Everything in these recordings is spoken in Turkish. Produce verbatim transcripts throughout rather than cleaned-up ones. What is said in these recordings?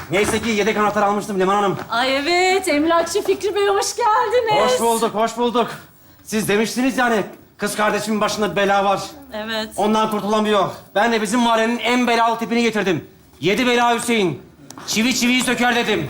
Neyse ki yedek anahtar almıştım Leman Hanım. Ay evet, emlakçı Fikri Bey hoş geldiniz. Hoş bulduk, hoş bulduk. Siz demiştiniz yani kız kardeşimin başında bela var. Evet. Ondan kurtulamıyor. Ben de bizim mahallenin en belalı tipini getirdim. Yedi bela Hüseyin. Çivi çiviyi söker dedim.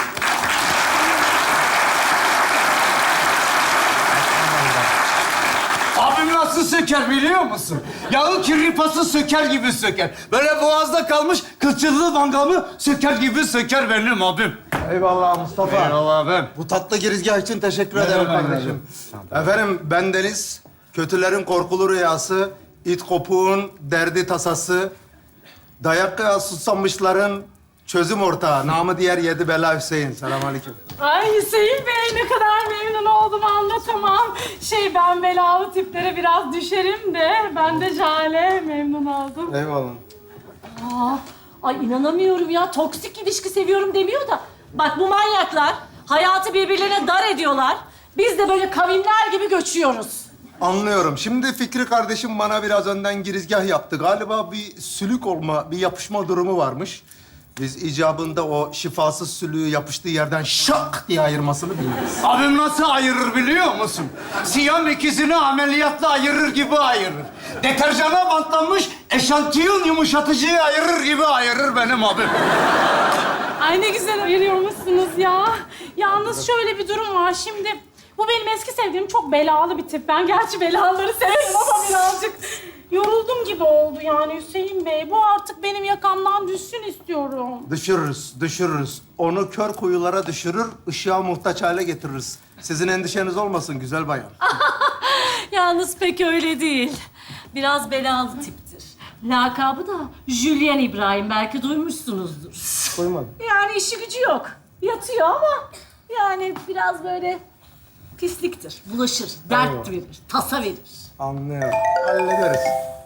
Abim nasıl söker biliyor musun? Yağı kirripası söker gibi söker. Böyle boğazda kalmış kılçıllı mangamı söker gibi söker benim abim. Eyvallah Mustafa. Eyvallah abim. Bu tatlı girizgah için teşekkür ederim kardeşim. Efendim, bendeniz kötülerin korkulu rüyası, it kopuğun derdi tasası, dayak kıya susamışların çözüm ortağı, namı diğer yedi bela Hüseyin. Selamünaleyküm. Ay Hüseyin Bey ne kadar memnun oldum anlatamam. Şey ben belalı tiplere biraz düşerim de ben de Jale memnun oldum. Eyvallah. Aa, ay inanamıyorum ya toksik ilişki seviyorum demiyor da. Bak bu manyaklar hayatı birbirlerine dar ediyorlar. Biz de böyle kavimler gibi göçüyoruz. Anlıyorum. Şimdi Fikri kardeşim bana biraz önden girizgah yaptı. Galiba bir sülük olma, bir yapışma durumu varmış. Biz icabında o şifasız sülüğü yapıştığı yerden şak diye ayırmasını biliriz. Abim nasıl ayırır biliyor musun? Siyam ikizini ameliyatla ayırır gibi ayırır. Deterjana bantlanmış eşantiyon yumuşatıcıyı ayırır gibi ayırır benim abim. Ay ne güzel ayırıyormuşsunuz ya. Yalnız şöyle bir durum var şimdi. Bu benim eski sevdiğim çok belalı bir tip. Ben gerçi belaları severim ama birazcık yoruldum gibi oldu yani Hüseyin Bey. Bu artık benim yakamdan düşsün istiyorum. Düşürürüz, düşürürüz. Onu kör kuyulara düşürür, ışığa muhtaç hale getiririz. Sizin endişeniz olmasın güzel bayan. Yalnız pek öyle değil. Biraz belalı tiptir. Lakabı da Julien İbrahim. Belki duymuşsunuzdur. Koymadım. Yani işi gücü yok. Yatıyor ama yani biraz böyle pisliktir. Bulaşır, dert verir, tasa verir. Anlıyorum. Hallederiz.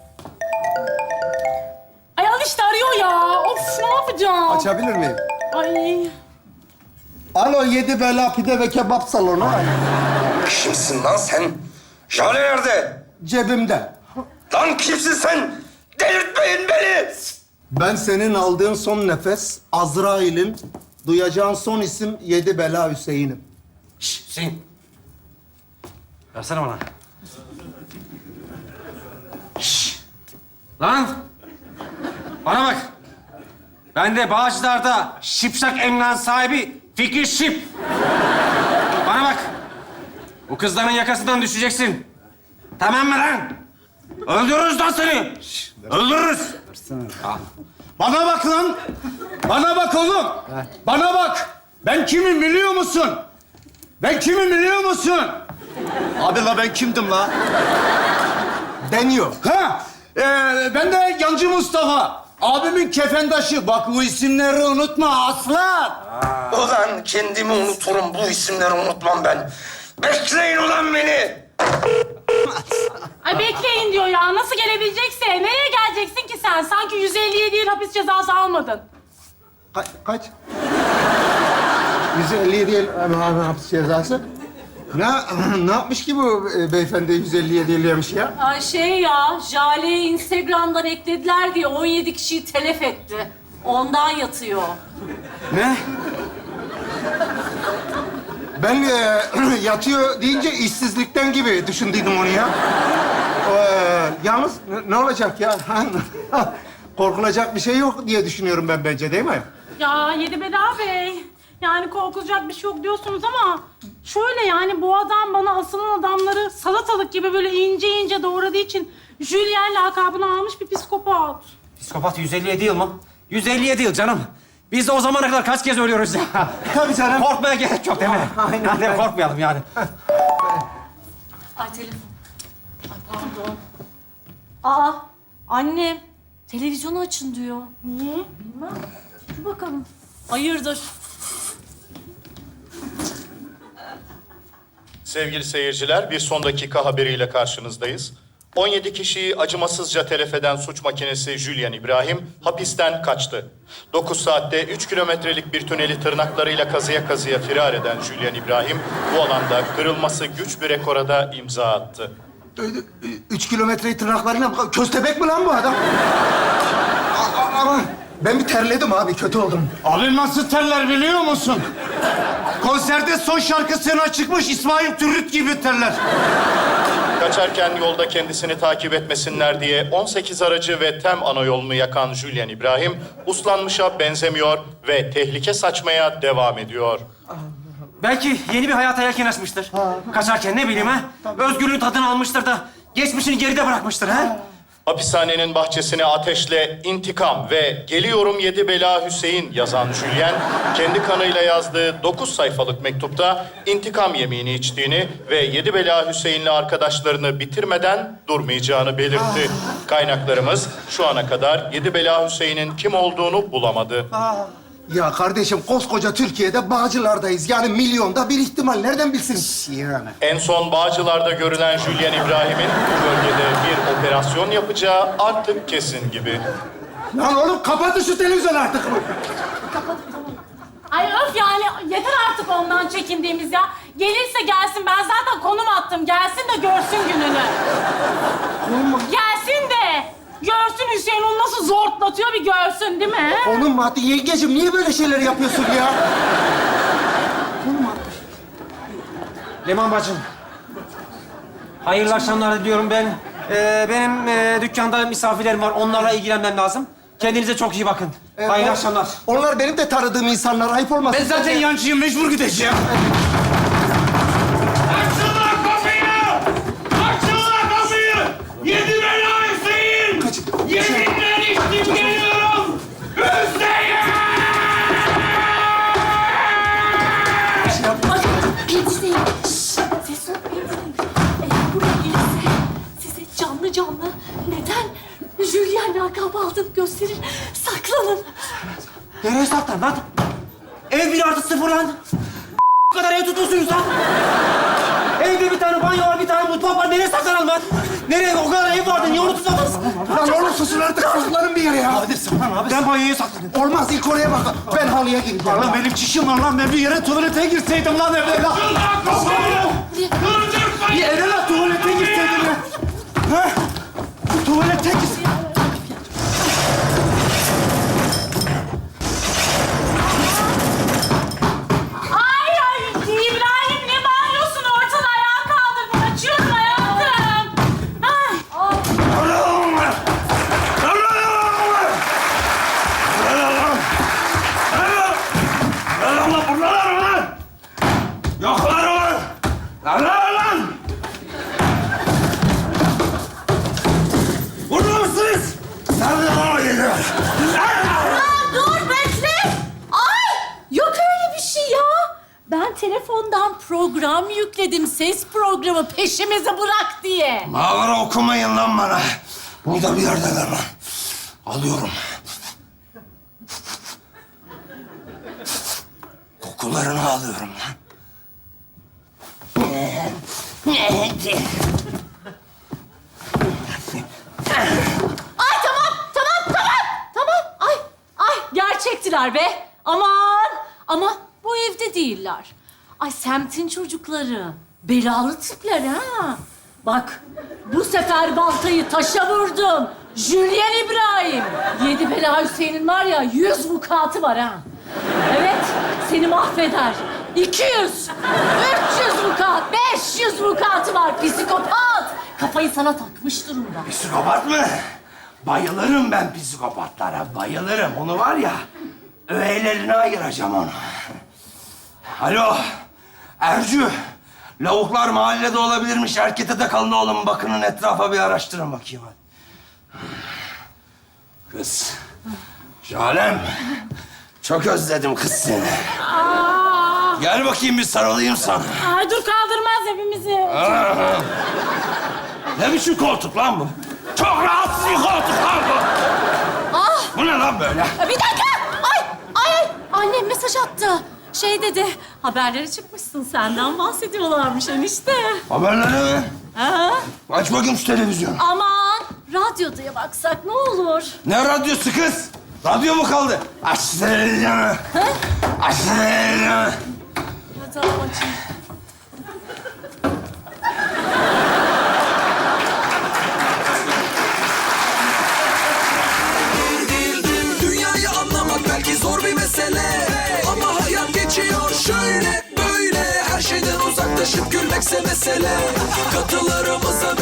Ay al işte arıyor ya. Of ne yapacağım? Açabilir miyim? Ay. Alo, yedi bela pide ve kebap salonu. Kimsin lan sen? Jale nerede? Cebimde. Lan kimsin sen? Delirtmeyin beni! Ben senin aldığın son nefes, Azrail'in, duyacağın son isim yedi bela Hüseyin'im. Şşş Hüseyin. Versene bana. Şşş. Lan. Bana bak. Ben de Bağcılar'da Şipşak emlak sahibi Fikri Şip. Bana bak. Bu kızların yakasından düşeceksin. Tamam mı lan? Öldürürüz lan seni. Öldürürüz. Bana bak lan! Bana bak oğlum! Bana bak! Ben kimim biliyor musun? Ben kimim biliyor musun? Abi la ben kimdim la? Deniyor. Ha? Ee, ben de Yancı Mustafa. Abimin kefendaşı. Bak bu isimleri unutma aslan. Ulan kendimi unuturum, bu isimleri unutmam ben. Bekleyin ulan beni! Ay bekleyin diyor ya. Nasıl gelebilecekse. Nereye geleceksin ki sen? Sanki yüz elli yedi yıl hapis cezası almadın. Ka- kaç? yüz elli yedi yıl e, hapis cezası. Ne, ne yapmış ki bu e, beyefendi yüz elli yedi yıl yemiş ya? Ay şey ya, Jale'yi Instagram'dan eklediler diye on yedi kişiyi telef etti. Ondan yatıyor. Ne? Ben e, yatıyor deyince işsizlikten gibi düşündüydüm onu ya. Ee, yalnız ne, ne olacak ya? Korkulacak bir şey yok diye düşünüyorum ben bence, değil mi? Ya Yedi Bela Bey, yani korkulacak bir şey yok diyorsunuz ama... ...şöyle yani bu adam bana asılan adamları salatalık gibi böyle ince ince doğradığı için... ...Julien lakabını almış bir psikopat. Psikopat yüz elli yedi yıl mı? yüz elli yedi yıl canım. Biz de o zamana kadar kaç kez ölüyoruz ya. Tabii canım. Korkmaya gerek yok değil mi? Aynen. Hadi korkmayalım yani. Ay telefon. Ay pardon. Aa, annem. Televizyonu açın diyor. Niye? Bilmem. Dur bakalım. Hayırdır? Sevgili seyirciler, bir son dakika haberiyle karşınızdayız. on yedi kişiyi acımasızca telef eden suç makinesi Julien İbrahim hapisten kaçtı. dokuz saatte üç kilometrelik bir tüneli tırnaklarıyla kazıya kazıya firar eden Julien İbrahim bu alanda kırılması güç bir rekora da imza attı. Üç kilometreyi tırnaklarıyla... Köstebek mi lan bu adam? A- a- Ama Ben bir terledim abi, kötü oldum. Abi nasıl terler biliyor musun? Konserde son şarkısına çıkmış İsmail Türüt gibi terler. Kaçarken yolda kendisini takip etmesinler diye on sekiz aracı ve tem ana yolunu yakan Julian İbrahim, uslanmışa benzemiyor ve tehlike saçmaya devam ediyor. Belki yeni bir hayata yelken açmıştır. Kaçarken ne bileyim ha? Özgürlüğün tadını almıştır da geçmişini geride bırakmıştır ha? Hapishanenin bahçesine ateşle intikam ve geliyorum yedi bela Hüseyin yazan Julian, kendi kanıyla yazdığı dokuz sayfalık mektupta intikam yemini içtiğini ve yedi bela Hüseyin'le arkadaşlarını bitirmeden durmayacağını belirtti. Kaynaklarımız şu ana kadar yedi bela Hüseyin'in kim olduğunu bulamadı. Ya kardeşim, koskoca Türkiye'de Bağcılar'dayız. Yani milyonda bir ihtimal. Nereden bilsin? Yani. En son Bağcılar'da görülen Julian İbrahim'in bu bölgede bir operasyon yapacağı artık kesin gibi. Lan oğlum kapatın şu televizyonu artık. Ay öf yani yeter artık ondan çekindiğimiz ya. Gelirse gelsin, ben zaten konum attım. Gelsin de görsün gününü. Gelsin de görsün Hüseyin onu nasıl zortlatıyor bir görsün değil mi? Onun maddi yengeciğim, niye böyle şeyler yapıyorsun ya? Leman bacım. Hayırlı akşamlar diliyorum ben. Ee, benim e, dükkanda misafirlerim var. Onlarla ilgilenmem lazım. Kendinize çok iyi bakın. Hayırlı o- akşamlar. Onlar benim de tanıdığım insanlar. Ayıp olmasın. Ben zaten yancıyım, mecbur gideceğim. Açın lan kapıyı! Açın lan kapıyı! Yedi bela Hüseyin! Yeminle içtim geliyorum! Hüseyin! Ay, Hüseyin. Şşş, ses ol Hüseyin. Eğer buraya gelirse size canlı canlı neden Julian lakabı aldığını gösterir. Saklanın. Nereye saklan lan? Ev bir artı sıfır lan. Bu kadar ev tutuyorsunuz lan. Evde bir tane banyo var, bir tane mutfak var. Nereye saklanalım lan? Nereye? O kadar ev vardı. Niye onu tutmadınız? Lan oğlum susun artık. Saklanın bir yere ya. Hadi saklan abi. Ben banyoya saklanıyorum. Olmaz, ilk oraya bak. Ben halıya gireceğim. Lan benim çişim var lan. Ben bir yere tuvalete girseydim lan evde lan. Açın lan kapıyı! Durdurmayın! Bir eve lan tuvalete girseydim ya. Ha? Tuvalete gir. Ay ay İbrahim ne bağırıyorsun? Ortalığı ayağa kaldırdın. Açıyorum hayatım. Ay. Yoklar ulan! Lan lan lan! Burada mısınız? Nerede bana geliyor? Aa, dur bekle. Ay, yok öyle bir şey ya. Ben telefondan program yükledim. Ses programı peşimizi bırak diye. Mağara okumayın lan bana. Burada bir yerdeler lan. Alıyorum. Kokularını alıyorum lan. Ay tamam, tamam, tamam, tamam. Ay, ay gerçektiler be. Aman, ama bu evde değiller. Ay semtin çocukları. Belalı tipler ha. Bak, bu sefer baltayı taşa vurdum. Julian İbrahim. Yedi bela Hüseyin'in var ya, yüz vukuatı var ha. Evet, seni mahveder. İki yüz, üç yüz vukuat, beş yüz vukuatı var. Psikopat. Kafayı sana takmış durumda. Psikopat mı? Bayılırım ben psikopatlara, bayılırım. Onu var ya, öğelerine ayıracağım onu. Alo, Ercü. Lavuklar mahallede olabilirmiş. Erkete de kalın oğlum. Bakının etrafa bir araştırın bakayım hadi. Kız, Jalem. Çok özledim kız seni. Aa. Gel bakayım bir sarılayım sana. Ay dur kaldırmaz hepimizi. Aa, ne biçim koltuk lan bu? Çok rahatsız bir koltuk lan bu. Ah! Bu ne lan böyle? Bir dakika! Ay! Ay! ay! Annem mesaj attı. Şey dedi, haberlere çıkmışsın. Senden bahsediyorlarmış enişte. Haberleri mi? Ha? Aç bakayım şu televizyonu. Aman! Radyoya baksak ne olur? Ne radyosu kız? Radyo mu kaldı? Aç televizyonu. Aç televizyonu. Ya tamam açayım. Dünyayı Paylaşıp gülmekse mesele. Katılarımıza